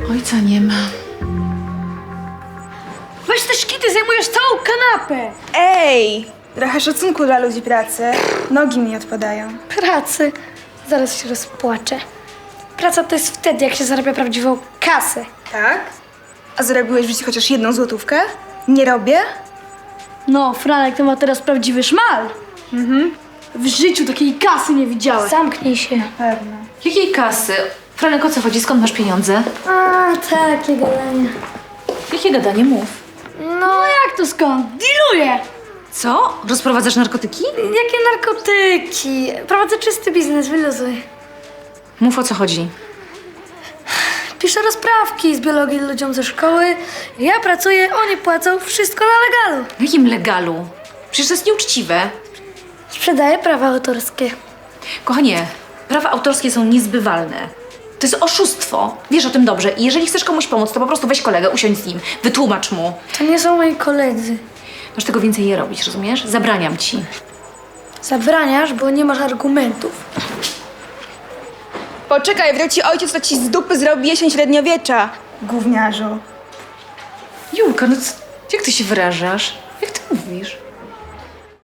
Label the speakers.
Speaker 1: Ojca nie ma.
Speaker 2: Weź te szkity, zajmujesz całą kanapę.
Speaker 3: Ej! Trochę szacunku dla ludzi pracy. Nogi mi odpadają.
Speaker 2: Pracy. Zaraz się rozpłaczę. Praca to jest wtedy, jak się zarabia prawdziwą kasę.
Speaker 3: Tak? A zarobiłeś w życiu chociaż 1 złotówkę? Nie robię?
Speaker 2: No, Franek to ma teraz prawdziwy szmal. W życiu takiej kasy nie widziałem. Zamknij się.
Speaker 3: Pewno.
Speaker 1: Jakiej kasy? Franek, o co chodzi? Skąd masz pieniądze?
Speaker 2: A, takie gadanie.
Speaker 1: Jakie gadanie? Mów.
Speaker 2: No jak to skąd? Diluję.
Speaker 1: Co? Rozprowadzasz narkotyki?
Speaker 2: Jakie narkotyki? Prowadzę czysty biznes, wyluzuj.
Speaker 1: Mów, o co chodzi.
Speaker 2: Piszę rozprawki z biologii ludziom ze szkoły. Ja pracuję, oni płacą, wszystko na legalu.
Speaker 1: W jakim legalu? Przecież to jest nieuczciwe.
Speaker 2: Sprzedaję prawa autorskie.
Speaker 1: Kochanie, prawa autorskie są niezbywalne. To jest oszustwo. Wiesz o tym dobrze. I jeżeli chcesz komuś pomóc, to po prostu weź kolegę, usiądź z nim, wytłumacz mu.
Speaker 2: To nie są moi koledzy.
Speaker 1: Masz tego więcej nie robić, rozumiesz? Zabraniam ci.
Speaker 2: Zabraniasz, bo nie masz argumentów.
Speaker 3: Poczekaj, wróci ojciec, to ci z dupy zrobi jesień średniowiecza. Gówniarzu.
Speaker 1: Julka, no jak ty się wyrażasz? Jak ty mówisz?